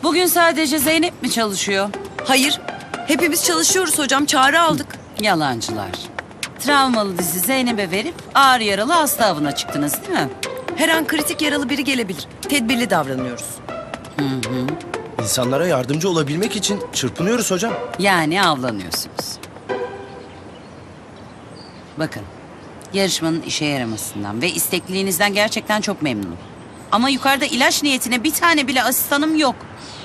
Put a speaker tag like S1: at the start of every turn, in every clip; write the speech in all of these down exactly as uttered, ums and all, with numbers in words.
S1: Bugün sadece Zeynep mi çalışıyor?
S2: Hayır. Hepimiz çalışıyoruz hocam. Çağrı aldık.
S1: Yalancılar. Travmalı dizi Zeynep'e verip ağır yaralı hasta avına çıktınız değil mi?
S2: Her an kritik yaralı biri gelebilir. Tedbirli davranıyoruz.
S3: İnsanlara yardımcı olabilmek için çırpınıyoruz hocam.
S1: Yani avlanıyorsunuz. Bakın, yarışmanın işe yaramasından ve istekliliğinizden gerçekten çok memnunum. Ama yukarıda ilaç niyetine bir tane bile asistanım yok.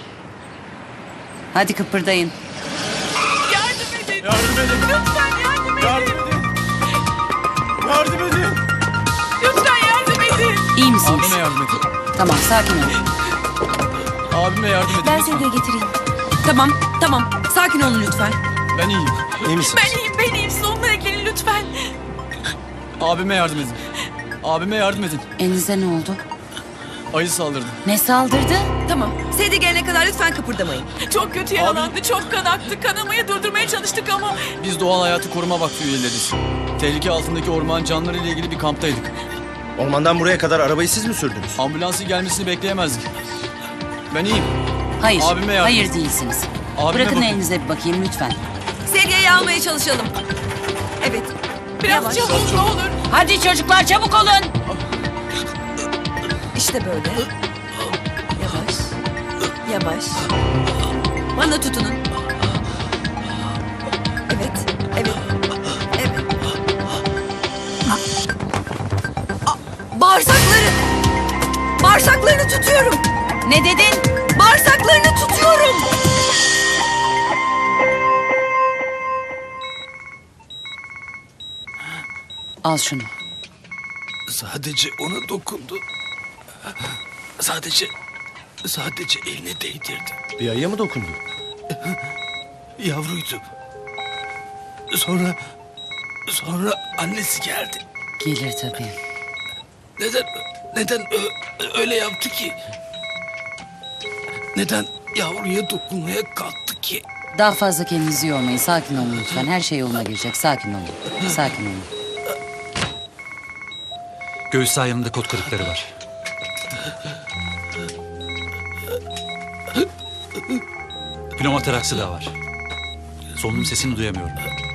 S1: Hadi kıpırdayın.
S4: Yardım edin.
S5: Yardım edin.
S4: Lütfen yardım edin.
S5: Yardım edin. Yardım edin.
S4: Lütfen yardım edin.
S1: İyi misiniz?
S5: Abime yardım edin.
S1: Tamam, sakin olun.
S5: Abime yardım edin.
S2: Ben
S5: lütfen.
S2: seni de getireyim. Tamam, tamam. Sakin olun lütfen.
S5: Ben iyiyim.
S3: İyi misiniz?
S4: Ben iyiyim ben iyiyim. Siz onlara gelin lütfen.
S5: Abime yardım edin. Abime yardım edin.
S1: Elinize ne oldu?
S5: Ayı saldırdı.
S1: Ne saldırdı?
S2: Tamam. Seyde gelene kadar lütfen kıpırdamayın.
S4: Çok kötü yaralandı. Çok kan aktı. Kanamayı durdurmaya çalıştık ama.
S5: Biz Doğal Hayatı Koruma Vakfı üyeleriyiz. Tehlike altındaki orman canlıları ile ilgili bir kamptaydık.
S3: Ormandan buraya kadar arabayı siz mi sürdünüz?
S5: Ambulansın gelmesini bekleyemezdik. Ben iyiyim.
S1: Hayır,
S5: Abime yardım
S1: hayır
S5: edin.
S1: değilsiniz.
S5: Abime
S1: Bırakın
S5: bakın.
S1: elinize bir bakayım lütfen.
S2: Sedye'yi almaya çalışalım. Evet.
S4: Biraz
S2: Yavaş.
S4: çabuk ne olur.
S1: Hadi çocuklar çabuk olun.
S2: İşte böyle. Yavaş. Yavaş. Bana tutunun. Evet. Evet. Evet. Aa, Bağırsakları. Bağırsaklarını tutuyorum.
S1: Ne dedin?
S2: Bağırsaklarını tutuyorum.
S1: Al şunu.
S6: Sadece ona dokundu. Sadece, sadece eline değdirdi.
S3: Bir ayıya mı dokundu?
S6: Yavruydu. Sonra, sonra annesi geldi.
S1: Gelir tabii.
S6: Neden, neden ö- öyle yaptı ki? Neden yavruya dokunmaya kalktı ki?
S1: Daha fazla kendinizi yormayın. Sakin olun lütfen. Her şey yoluna girecek. Sakin olun. Sakin olun.
S7: Göğüs sağ kot kırıkları var. Pneumotoraksı da var. Solunum sesini duyamıyorum.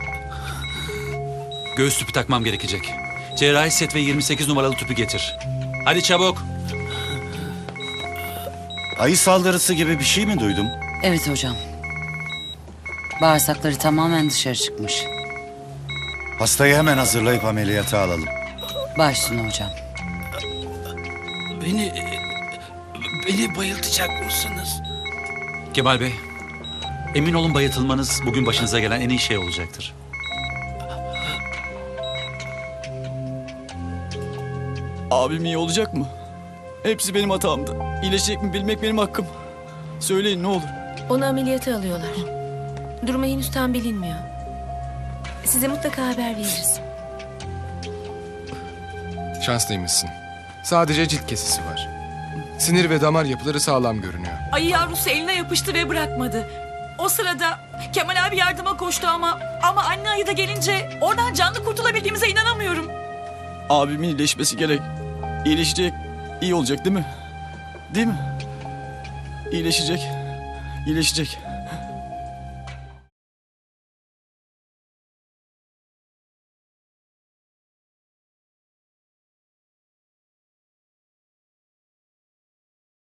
S7: Göğüs tüpü takmam gerekecek. Cerrahi set ve yirmi sekiz numaralı tüpü getir. Hadi çabuk.
S8: Ayı saldırısı gibi bir şey mi duydum?
S1: Evet hocam. Bağırsakları tamamen dışarı çıkmış.
S8: Hastayı hemen hazırlayıp ameliyata alalım.
S1: Baş üstüne hocam.
S6: Beni, beni bayıltacak mısınız?
S7: Kemal Bey, emin olun bayıltılmanız bugün başınıza gelen en iyi şey olacaktır.
S5: Abim iyi olacak mı? Hepsi benim hatamdı. İyileşecek mi bilmek benim hakkım. Söyleyin ne olur.
S9: Onu ameliyata alıyorlar. Durumu henüz tam bilinmiyor. Size mutlaka haber veririz.
S10: Şanslıymışsın. Sadece cilt kesisi var. Sinir ve damar yapıları sağlam görünüyor.
S4: Ayı yavrusu eline yapıştı ve bırakmadı. O sırada Kemal abi yardıma koştu ama ama anne ayı da gelince oradan canlı kurtulabildiğimize inanamıyorum.
S5: Abimin iyileşmesi gerek. İyileşecek. İyi olacak değil mi? Değil mi? İyileşecek. İyileşecek.